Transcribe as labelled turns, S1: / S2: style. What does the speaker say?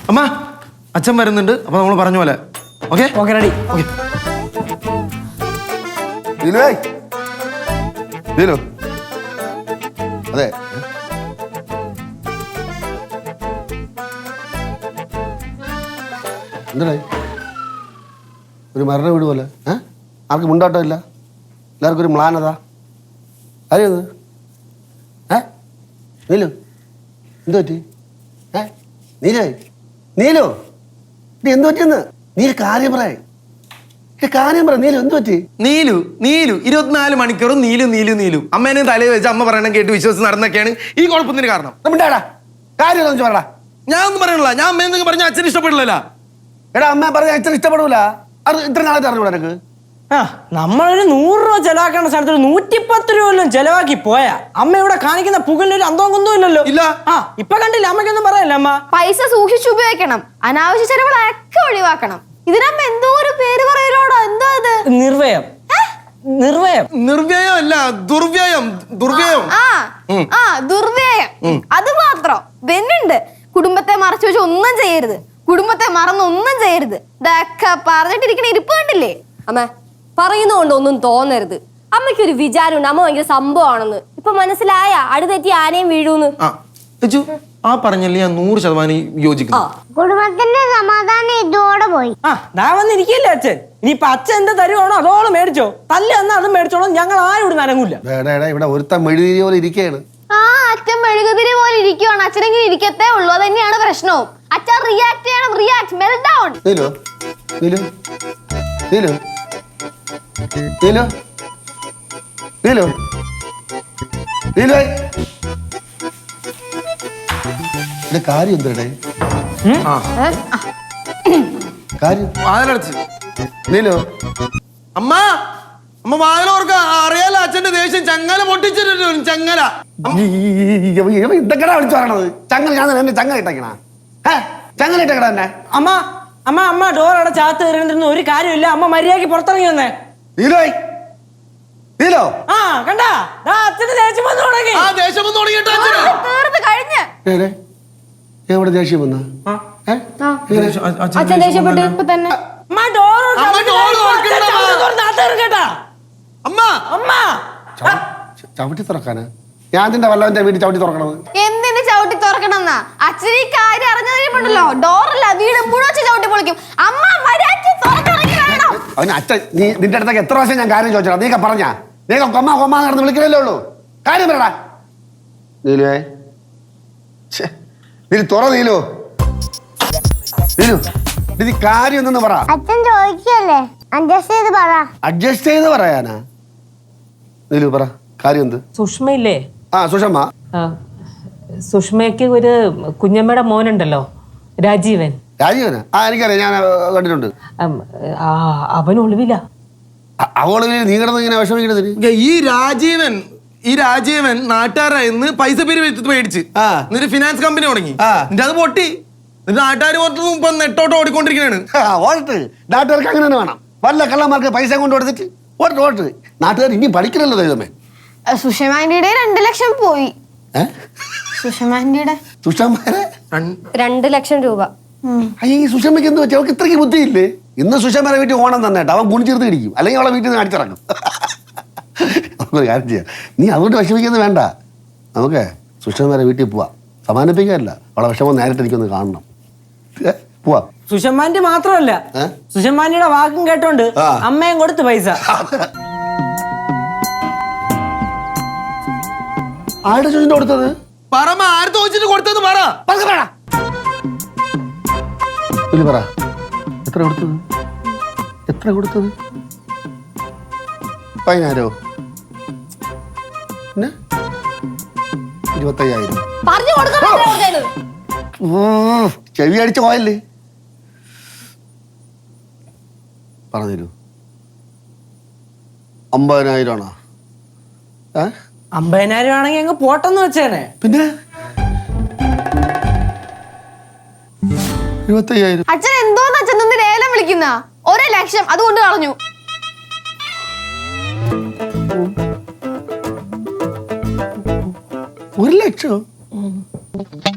S1: അമ്മ അച്ഛൻ വരുന്നുണ്ട്. അപ്പൊ നമ്മൾ പറഞ്ഞ പോലെ ഓക്കെ
S2: ഓക്കെ റെഡി.
S3: അതെ എന്തായി ഒരു മരണ വീട് പോലെ ആർക്കും മുണ്ടാട്ടം ഇല്ല, എല്ലാവർക്കും ഒരു മ്ലാനത. അറിയത് നീലു എന്തു പറ്റി? നീലേ നീലു നീ എന്തു പറ്റിയെന്ന് നീ കാര്യം പറ. നീലു എന്തു പറ്റി?
S1: നീലു 24 മണിക്കൂറും നീലു അമ്മേനെ തലയിൽ വെച്ച് അമ്മ പറയണം കേട്ട് വിശ്വസിച്ച് നടന്നൊക്കെയാണ് ഈ കുഴപ്പത്തിന് കാരണം.
S3: കാര്യം പറയടാ.
S1: ഞാൻ ഒന്നും പറയണില്ല. ഞാൻ അമ്മ എന്തെങ്കിലും പറഞ്ഞ അച്ഛൻ ഇഷ്ടപ്പെടില്ല.
S3: എടാ അമ്മ പറഞ്ഞ അച്ഛൻ ഇഷ്ടപ്പെടൂല. അത് ഇത്ര നാളെ അറിഞ്ഞൂടാ എനിക്ക്.
S2: നമ്മളൊരു 100 രൂപ ചെലവാക്കേണ്ട സ്ഥലത്ത് 110 രൂപ ചെലവാക്കി പോയാ അമ്മ ഇവിടെ കാണിക്കുന്ന പുകലിനൊരു അന്തവും കുന്തവും ഇല്ലല്ലോ.
S1: ഇല്ല.
S2: ഇപ്പൊ കണ്ടില്ല, അമ്മയ്ക്കൊന്നും പറയല്ല. അമ്മ
S4: പൈസ സൂക്ഷിച്ചു ഉപയോഗിക്കണം, അനാവശ്യ ചെലവുകളൊക്കെ ഒഴിവാക്കണം. ഇതിനമ്മ എന്തോ ഒരു പേര് പറയലോടോ. എന്തോ ഇത്?
S2: നിർവ്വയം.
S1: നിർവ്യയം അല്ല, ദുർവ്യയം. ദുർവ്യയം.
S4: അത് മാത്രം വെന്നുണ്ട്. കുടുംബത്തെ മറച്ചു വെച്ച് ഒന്നും ചെയ്യരുത്, കുടുംബത്തെ മറന്ന് ഒന്നും ചെയ്യരുത്. ഇതൊക്കെ പറഞ്ഞിട്ടിരിക്കണ ഇരിപ്പ് കണ്ടില്ലേ?
S5: അമ്മ പറയുന്നോണ്ട് ഒന്നും തോന്നരുത്. അമ്മയ്ക്കൊരു വിചാരമുണ്ട് അമ്മ ഭയങ്കര സംഭവമാണെന്ന്. ഇപ്പൊ മനസ്സിലായ അടുതെറ്റി ആനയും വീഴൂന്ന്.
S1: ആ പറഞ്ഞല്ലേ ഞാൻ 100% യോജിക്കുന്നു.
S6: കുടുംബത്തിന്റെ സമാധാനം ഇതോടെ പോയി.
S2: വന്നിരിക്കില്ല അച്ഛൻ. ഇനിയിപ്പൊ അച്ഛൻ എന്താ തരുവാണോ അതോളം മേടിച്ചോ. തല്ല എന്നാ അതും മേടിച്ചോളൂ. ഞങ്ങൾ ആരും ഇവിടെ നനങ്ങൂല.
S3: ഇവിടെ ഒരുത്തൻ മെഴുകുതിരി പോലെ ഇരിക്കുകയാണ്.
S4: അച്ഛൻ മെഴുകുതിരി പോലെ ഇരിക്കുവാണ്. അച്ഛനെങ്കിലും ഇരിക്കത്തേ ഉള്ളൂ. അത് തന്നെയാണ് പ്രശ്നവും. അച്ഛൻ റിയാക്ട് ചെയ്യണം. React meltdown.
S3: കാര്യം എന്തേ കാര്യം? നീലോ
S1: അമ്മ അമ്മ വാതിലോർക്ക അറിയാലോ അച്ഛന്റെ ദേഷ്യം. ചങ്ങല പൊട്ടിച്ചിട്ടു. ചങ്ങല
S3: ഇതൊക്കെയാ വിളിച്ചു പറയണത്. ചങ്ങല ഞാൻ എന്നെ ചങ്ങല ഇട്ടേക്കണ ചങ്ങല ഇട്ടേക്കണ തന്നെ.
S2: അമ്മ അമ്മ അമ്മ ഡോർ അവിടെ ചാത്ത് കയറിയിരുന്ന ഒരു കാര്യമില്ല. അമ്മ മര്യാദക്ക് പുറത്തിറങ്ങി വന്നേ. കണ്ടാ അച്ഛന് ദേഷ്യം വന്നു തുടങ്ങി.
S3: എവിടെ ദേഷ്യം വന്ന
S5: അച്ഛൻ ദേഷ്യപ്പെട്ടു ഇപ്പൊ തന്നെ.
S3: ചവിട്ടി തുറക്കാനാ? ഞാൻ അതിന്റെ വല്ലവന്റെ വീട്ടിൽ ചവിട്ടി തുറക്കണത്
S4: എന്തിന്? ചവിട്ടി തുറക്കണമെന്നാ? അച്ഛൻ ഈ കാര്യം അറിഞ്ഞതിരിപ്പുണ്ടല്ലോ, ഡോറല്ല വീട് മുഴുവൻ ചവിട്ടി പൊളിക്കും. അമ്മ മര്യാദയ്ക്ക് തുറക്കിറങ്ങി വേണം.
S3: അവന് അച്ഛൻ നീ നിന്റെ അടുത്തേക്ക് എത്ര പ്രാവശ്യം ഞാൻ കാര്യം ചോദിച്ചോ? നീക്ക പറഞ്ഞാ നീക്ക കൊമ്മ കൊമ്മ നടന്ന് വിളിക്കലല്ലേ ഉള്ളൂ. കാര്യം പറയടാ. നീലുവേ നീ തുറ. നീലു നീ കാര്യം എന്തെന്ന് പറ.
S6: അച്ഛൻ ചോദിക്കല്ലേ,
S3: അഡ്ജസ്റ്റ് ചെയ്ത് പറയാനാ? നീലു പറ കാര്യം എന്ത്?
S7: സുഷ്മയില്ലേ?
S3: സുഷമ്മ.
S7: സുഷ്മയ്ക്ക് ഒരു കുഞ്ഞമ്മയുടെ മോനുണ്ടല്ലോ, രാജീവൻ.
S3: രാജീവനാ? എനിക്കറിയാം, ഞാൻ കണ്ടിട്ടുണ്ട്.
S7: അവൻ ഒളിവില്ല.
S3: നീ കിടന്ന് ഇങ്ങനെ വിഷമിക്കണത്?
S1: ഈ രാജീവൻ നാട്ടുകാരായിരുന്നു പൈസ മേടിച്ച് എന്നിട്ട് ഫിനാൻസ് കമ്പനി തുടങ്ങി. എന്നിട്ട് അത് പൊട്ടി. നാട്ടുകാർ പുറത്തും ഇപ്പൊ നെട്ടോട്ട് ഓടിക്കൊണ്ടിരിക്കുകയാണ്.
S3: നാട്ടുകാർക്ക് അങ്ങനെ തന്നെ വേണം. വല്ല കള്ളന്മാർക്ക് പൈസ കൊണ്ട് കൊടുത്തിട്ട് ഓട്ട്. നാട്ടുകാർ ഇനി പഠിക്കണല്ലോ ദൈവമേ.
S4: സുഷമാൻഡിയുടെ 2 ലക്ഷം പോയി. സുഷമാൻഡിയുടെ
S5: 2 ലക്ഷം രൂപ.
S3: ഈ സുഷമ്മയ്ക്ക് എന്ത് വെച്ചാൽ അവൾക്ക് ഇത്രയ്ക്ക് ബുദ്ധിയില്ലേ? ഇന്ന് സുഷമ്മയുടെ വീട്ടിൽ ഓണം തന്നെ കേട്ടോ. അവൻ കുണിച്ചെടുത്ത് ഇടിക്കും, അല്ലെങ്കിൽ അവളെ വീട്ടിൽ നിന്ന് അടിച്ചിറങ്ങും. നമുക്കൊരു കാര്യം ചെയ്യാം, നീ അതുകൊണ്ട് വിഷമിക്കുന്നത് വേണ്ട. നമുക്ക് സുഷമ്മയുടെ വീട്ടിൽ പോവാം. സമാനിപ്പിക്കാനല്ല, അവളെ വിഷമം നേരിട്ട് എനിക്കൊന്ന് കാണണം. പോവാ.
S2: സുഷമ്മാന്റെ മാത്രമല്ല, സുഷമ്മാനിയുടെ വാക്കും കേട്ടോണ്ട് അമ്മയും കൊടുത്ത് പൈസ.
S3: ആരുടെ ചോദിച്ചിട്ട് കൊടുത്തത്?
S1: കൊടുത്തത് പറ.
S3: പറ എത്ര കൊടുത്തത്? എത്ര കൊടുത്തത്? 10,000? 25,000. ചെവി അടിച്ച് പോയല്ലേ? പറഞ്ഞു 50,000 ആണോ?
S2: 50,000 ആണെങ്കിൽ അങ്ങ് പോട്ടെന്ന് വെച്ചേനെ.
S3: പിന്നെ 25,000.
S4: അച്ഛൻ എന്തോന്ന് അച്ഛൻ നിന്ന് ലേലം വിളിക്കുന്ന? 1 ലക്ഷം അതുകൊണ്ട് കളഞ്ഞു.
S3: 1 ലക്ഷം?